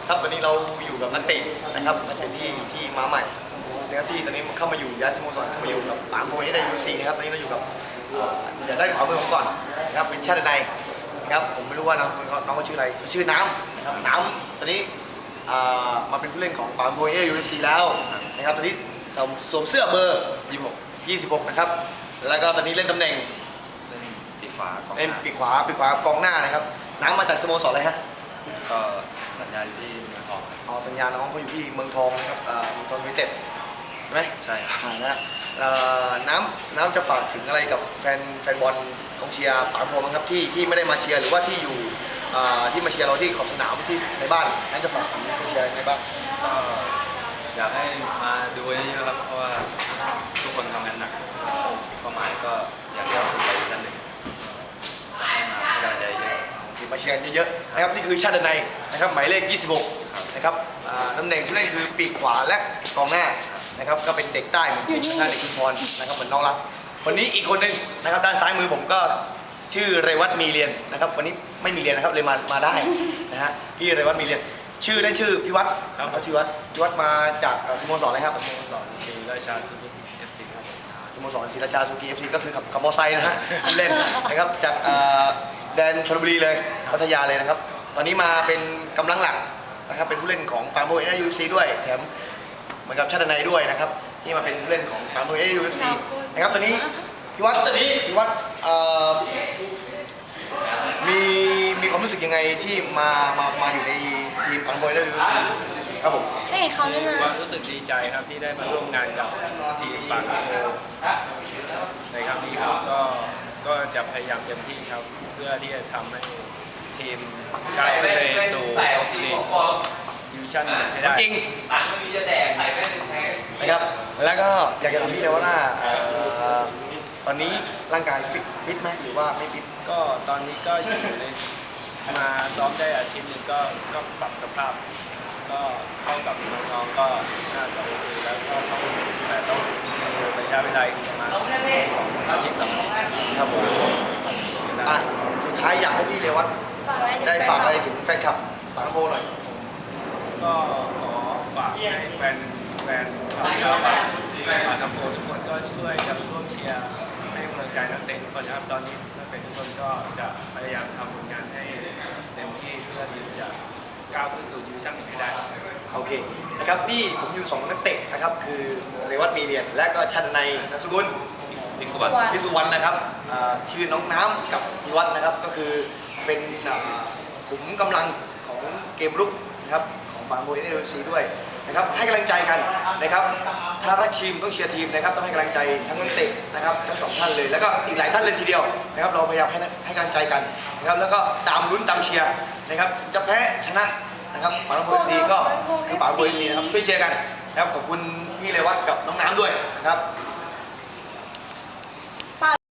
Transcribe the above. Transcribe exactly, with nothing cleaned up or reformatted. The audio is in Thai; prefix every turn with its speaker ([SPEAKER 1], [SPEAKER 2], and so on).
[SPEAKER 1] ครับตอนนี้เราอยู่กับนักเตะนะครับนักเตะที่ที่มาใหม่นะครับที่ตอนนี้เข้ามาอยู่ย้ายสโมสรเข้ามาอยู่กับปางโพนี่ได้ยูซีนะครับตอนนี้เราอยู่กับเดี๋ยวได้ขวามือผมก่อนนะครับเป็นชาติในนะครับผมไม่รู้ว่าน้องน้องเขาชื่ออะไรชื่อน้ำนะครับน้ำตอนนี้มาเป็นผู้เล่นของปางโพนี่ยูซีแล้วนะครับตอนนี้สวมเสื้อเบอร์ยี่สิบหกยี่สิบหกนะครับแล้วก็ตอนนี้เล่นตำแหน่ง
[SPEAKER 2] เล่นปีกขวากองห
[SPEAKER 1] เล่น
[SPEAKER 2] น้า
[SPEAKER 1] ปีกขวาปีกขวากองหน้านะครับน้ำมาจากสโมสรอะไรฮะ
[SPEAKER 2] ก็สัญญาอยู่ที่เมืองทอง
[SPEAKER 1] อ๋อสัญญาน้องเขาอยู่ที่เมืองทองนะครับเอ่อเมืองทองยูไนเต็ดใช่ไหม
[SPEAKER 2] ใช่ครับ
[SPEAKER 1] อ่านะเอ่อน้ำน้ำจะฝากถึงอะไรกับแฟนแฟนบอลกองเชียร์ปางโพมั้งครับที่ที่ไม่ได้มาเชียร์หรือว่าที่อยู่อ่าที่มาเชียร์เราที่ขอบสนามที่ในบ้านน้ำจะฝากถึงกองเชียร์ยังไงบ้าง
[SPEAKER 2] ก็อยากให้มาดูเยอะๆครับเพราะว่าทุกคนทำงานหนักเป้าหมายก็อยากจะไปชั้นหนึ่งให้มาให้กำลังใจเยอะ
[SPEAKER 1] ที่มาเชียร์เยอะๆนะครับนี่คือชาติในนะครับหมายเลขยี่สิบหกนะครับอ่าตำแหน่งผู้เล่นคือปีกขวาและกองหน้านะครับก็เป็นเด็กใต้เหมือนผมหน้าเด็กชุมพรนะครับเหมือนน้องรักคนนี้อีกคนหนึงนะครับด้านซ้ายมือผมก็ชื่อเรวัตมีเรียนนะครับวันนี้ไม่มีเรียนนะครับเลยมามาได้นะฮะพี่เรวัตมีเรียนชื่อเล่นชื่อพี่วัดครับพี่วัดพี่วัดมาจากเอ่อสโมสรอะไรครับ
[SPEAKER 2] สโมสรศรีราชาซูเปอร์เอฟซีครับผม
[SPEAKER 1] สโมสรศรีราชาซูกิเอฟซีก็คือขับขับมอเตอร์ไซค์นะฮะเล่นนะครับจากเอ่อแดนชลบุรีเลยพัทยาเลยนะครับตอนนี้มาเป็นกำลังหลักนะครับเป็นผู้เล่นของปางโพเอเนยูเอฟซีด้วยแถมเหมือนกับชาติในด้วยนะครับที่มาเป็นผู้เล่นของปางโพเอเนยูเอฟซีนะครับตอนนี้พี่วัดพี่วัดเอ่อมีมีความรู้สึกยังไงที่มามามาอยู่ในทีมปางโพเอเนยูเอฟซีครับผม
[SPEAKER 3] ให้เห็นเขาด้วยนะ
[SPEAKER 2] ว่ารู้สึกดีใจครับที่ได้มาร่วมงานกับทีมปากโพในครั้งนี้ครับก็ก็จะพยายามเต็มที่ครับเพื่อที่จะทำให้ทีมก้าวขึ้นไปสู่ลีกดิวิชั่นหนึ่งให้ได้
[SPEAKER 1] จริงนะครับแล้วก็อยากจะถามพี่เลยว่าเอ่อตอนนี้ร่างกายฟิตฟิตไหมหรือว่าไม่ฟิต
[SPEAKER 2] ก็ตอนนี้ก็อยู่ในมาซ้อมได้อาทิตย์หนึงก็ก็ปรับสภาพ ก็เข้ากับน้องๆก็น่าจะโอเคแล้วก็ต้องแต่ต้องมีระยะเวลาอีกประมาณสองอาทิตย์สามอาทิตย์
[SPEAKER 1] ครับผมอ่ะสุดท้ายอยากให้พี่เรวัต
[SPEAKER 3] ฝากไว้ถึง
[SPEAKER 1] ได้ฝากอะไรถึงแฟนคลับปางโพหน่อย
[SPEAKER 2] ก็ขอฝากให้แฟนแฟนชาวบ้านแฟนปากโพทุกคนก็ช่วยกันร่วมเชียร์ให้กำลังใจนักเตะทุกคนนะครับตอนนี้นักเตะทุกคนก็จะพยายามทำผลงานให้เต็มที่เพื่อที่จะก้าวขึ้นสู่ดิวิชั่นหนึ่งให้ได้
[SPEAKER 1] โอเคนะครับนี่ผมอยู่สองนักเตะนะครับคือเรวัตมีเรียนและก็ชันในนามสกุล
[SPEAKER 2] อีกส่วน
[SPEAKER 1] พิสุวรรณนะครับอ่าชื่อน้องน้ำกับพิวัฒน์นะครับก็คือเป็นอ่าขุมกำลังของเกมรุกนะครับของบางโบยในเอฟซีด้วยนะครับให้กำลังใจกันนะครับถ้ารักทีมต้องเชียร์ทีมนะครับต้องให้กำลังใจทั้งนักเตะนะครับทั้งสองท่านเลยแล้วก็อีกหลายท่านเลยทีเดียวนะครับเราพยายามให้ให้กำลังใจกันนะครับแล้วก็ตามลุ้นตามเชียร์นะครับจะแพ้ชนะนะครับบางโบยเอฟซีก็คือบางโบยเอฟซีนะครับช่วยเชียร์กันนะครับขอบคุณพี่เรวัตกับน้องน้ำด้วยนะครับ